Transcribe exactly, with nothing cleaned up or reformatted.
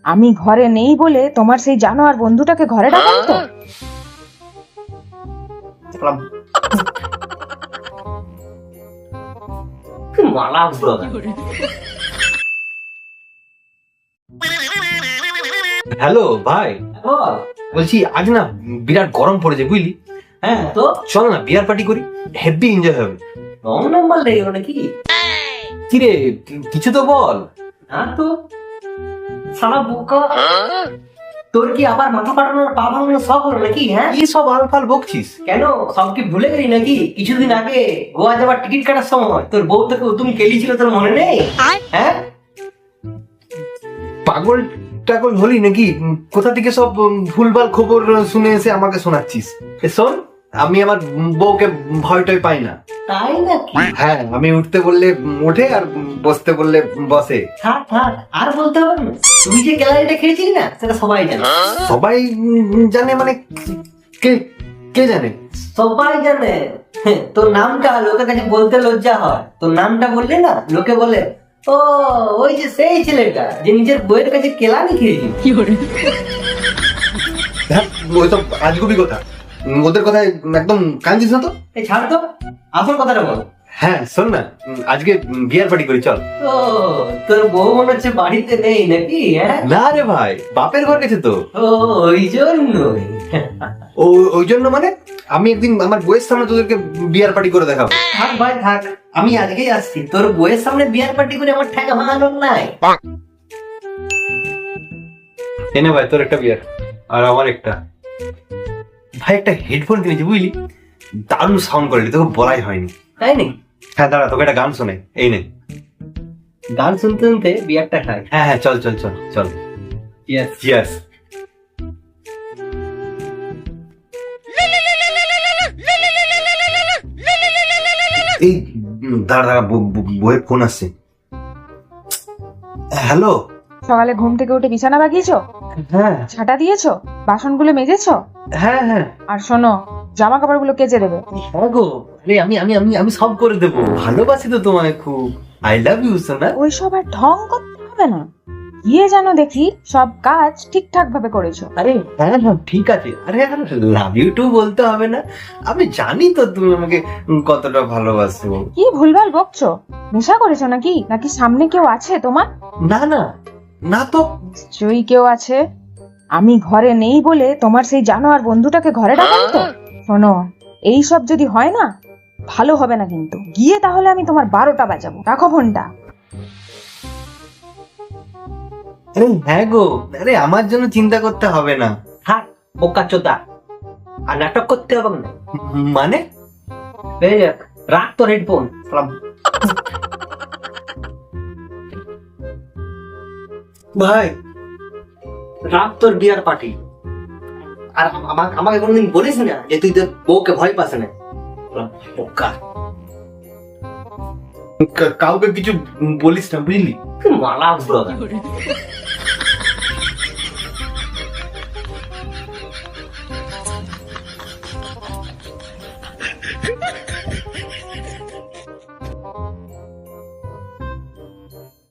আমি ঘরে নেই বলে তোমার সেই জানোয়ার বন্ধুটাকে ঘরে ডাকেন তো? মালা ব্রাদার। হ্যালো ভাই, বল। বলছি আজ না বিরাট গরম পড়েছে বুঝলি। হ্যাঁ তো চল না বিয়ার পার্টি করি, হেভি এনজয় হবে। রং নাম্বার লেগে গেল নাকি? কিরে কি- কিছু তো বল। না তো সারা বোকা, তোর কি আবার মাথা ফাটানোর পা ভাঙানোর শখ হলো নাকি? হ্যাঁ কি সব আলফাল বকছিস? কেন, সব কি ভুলে গেলি নাকি? কিছুদিন আগে গোয়া যাবার টিকিট কাটার সময় তোর বউ তোকে তুমি কেলিছিল, তোর মনে নেই? হ্যাঁ পাগল টাগল হলি নাকি? উম, কোথা থেকে সব উম, ভুলভাল খবর শুনে এসে আমাকে শোনাচ্ছিস? এ শোন, আমি আমার বউকে ভয় টয় পাই না। তাই নাকি? হ্যাঁ, আমি উঠতে বললে ওঠে আর বসতে বললে বসে। থাক থাক, আর বলতে হবে না। তুই যে গ্যালারিটা খেয়েছিস না, সেটা সবাই জানে। সবাই উম, জানে মানে কে কে জানে? সবাই জানে। হ্যাঁ, তোর নামটা লোকের কাছে বলতে লজ্জা হয়। তোর নামটা বললে না, লোকে বলে ও ওই যে সেই ছেলেটা যে নিজের বইয়ের কাছে কেলানি খেয়েছিল। হ্যাঁ, ওইসব আজগুবি কথা, উম, ওদের কথায় একদম কান্দিস না তো। এই ছাড় তো, আসল কথাটা বল। হ্যাঁ শোন না, উম, আজকে বিয়ার পার্টি করি চল। ও তোর বউ মনে হচ্ছে বাড়িতে নেই নাকি? হ্যাঁ না রে ভাই, বাপের ঘর গেছে তো। ও ওই জন্যই। ও ওই জন্য মানে আমি একদিন আমার বইয়ের সামনে তোদেরকে বিয়ার পার্টি করে দেখাবো। থাক ভাই থাক, আমি আজকেই আসছি। তোর বইয়ের সামনে বিয়ার পার্টি করে আমার ঠেকা ভাঙানোর নাই। এনে ভাই তোর একটা বিয়ার আর আমার একটা। ভাই একটা হেডফোন কিনেছি বুঝলি, দারুণ সাউন্ড কোয়ালিটি, তোকে বলাই হয়নি। তাই নাকি? হ্যাঁ দাঁড়া, তোকে একটা গান শোনে, এই নে। গান শুনতে শুনতে বিয়ারটা খাই। হ্যাঁ হ্যাঁ চল চল চল চল। ইয়েস। চিয়ার্স। এই উম, দাঁড়া দাঁড়া, ব- ব- বইয়ের ফোন আসছে। হ্যালো। সকালে ঘুম থেকে উঠে বিছানা বাগিয়েছো, হ্যাঁ ছাটা দিয়েছো, বাসনগুলো মেজেছো, হ্যাঁ হ্যাঁ আর শোনো জামা কাপড়গুলো কেচে দেবে। হ্যাঁ গো, আরে আমি আমি আমি আমি সব করে দেবো, ভালোবাসি তো তোমায় খুব, আই লাভ ইউ সোনা। ওইসব আর ঢং করতে হবে না, গিয়ে যেন দেখি সব কাজ ঠিকঠাক ভাবে করেছো। আরে হ্যাঁ হ্যাঁ ঠিক আছে, আরে লাভ ইউ টু বলতে হবে না, আমি জানি তো তুমি আমাকে কতটা ভালোবাসো। কি ভুলভাল বকছো? নেশা করেছো নাকি? নাকি সামনে কেউ আছে তোমার? না না না তো। নিশ্চয়ই কেউ আছে। আমি ঘরে নেই বলে তোমার সেই জানোয়ার বন্ধুটাকে ঘরে ডাকেন তো? শোনো, এই সব যদি হয় না, ভালো হবে না কিন্তু। গিয়ে তাহলে আমি তোমার বারোটা বাজাবো। রাখো ফোনটা। আরে হ্যাঁ গো, আরে আমার জন্য চিন্তা করতে হবে না। থাক বোকা চোদা, আর নাটক করতে হবে না। মানে এই দেখ, রাখ তোর হেডফোন। ভাই, রাখ তোর বিয়ার পার্টি। আর আমাকে আমাকে কোনোদিন বলিস না যে তুই তোর বউকে ভয় পাস না। বোকা, কা- কাউকে কিছু বলিস না বুঝলি। মালা ব্রাদার।